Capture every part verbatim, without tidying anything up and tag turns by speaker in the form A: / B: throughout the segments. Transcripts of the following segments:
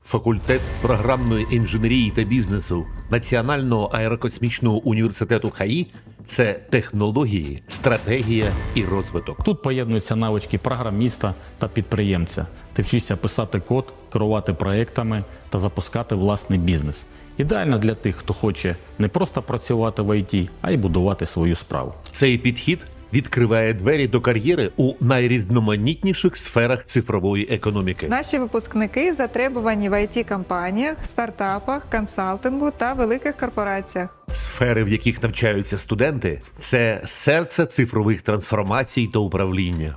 A: Факультет програмної інженерії та бізнесу Національного аерокосмічного університету ХАІ – це технології, стратегія і розвиток.
B: Тут поєднуються навички програміста та підприємця. Ти вчишся писати код, керувати проєктами та запускати власний бізнес. Ідеально для тих, хто хоче не просто працювати в ай ті, а й будувати свою справу.
A: Цей підхід відкриває двері до кар'єри у найрізноманітніших сферах цифрової економіки.
C: Наші випускники затребувані в ай ті-компаніях, стартапах, консалтингу та великих корпораціях.
A: Сфери, в яких навчаються студенти – це серце цифрових трансформацій та управління.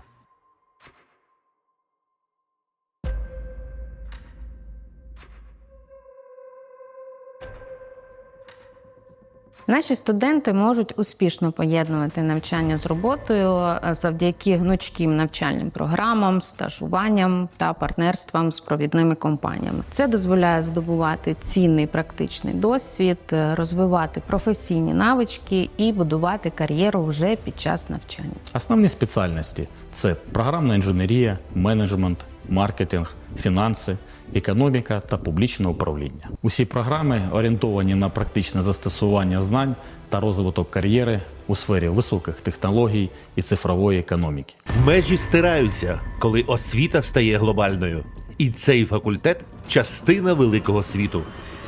D: Наші студенти можуть успішно поєднувати навчання з роботою завдяки гнучким навчальним програмам, стажуванням та партнерствам з провідними компаніями. Це дозволяє здобувати цінний практичний досвід, розвивати професійні навички і будувати кар'єру вже під час навчання.
B: Основні спеціальності – це програмна інженерія, менеджмент, маркетинг, фінанси, економіка та публічне управління. Усі програми орієнтовані на практичне застосування знань та розвиток кар'єри у сфері високих технологій і цифрової економіки.
A: Межі стираються, коли освіта стає глобальною. І цей факультет – частина великого світу.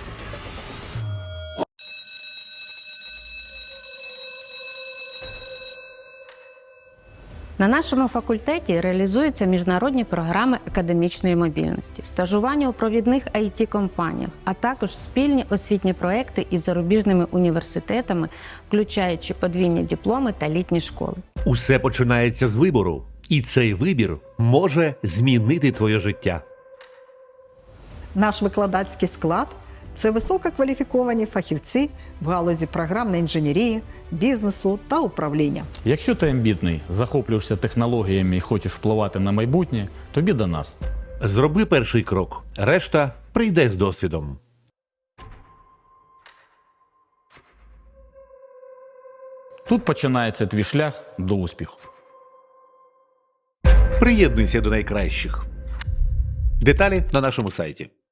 D: На нашому факультеті реалізуються міжнародні програми академічної мобільності, стажування у провідних ай ті-компаніях, а також спільні освітні проекти із зарубіжними університетами, включаючи подвійні дипломи та літні школи.
A: Усе починається з вибору. І цей вибір може змінити твоє життя.
E: Наш викладацький склад – це висококваліфіковані фахівці в галузі програмної інженерії, бізнесу та управління.
B: Якщо ти амбітний, захоплюєшся технологіями і хочеш впливати на майбутнє, тобі до нас.
A: Зроби перший крок, решта прийде з досвідом.
B: Тут починається твій шлях до успіху.
A: Приєднуйся до найкращих. Деталі на нашому сайті.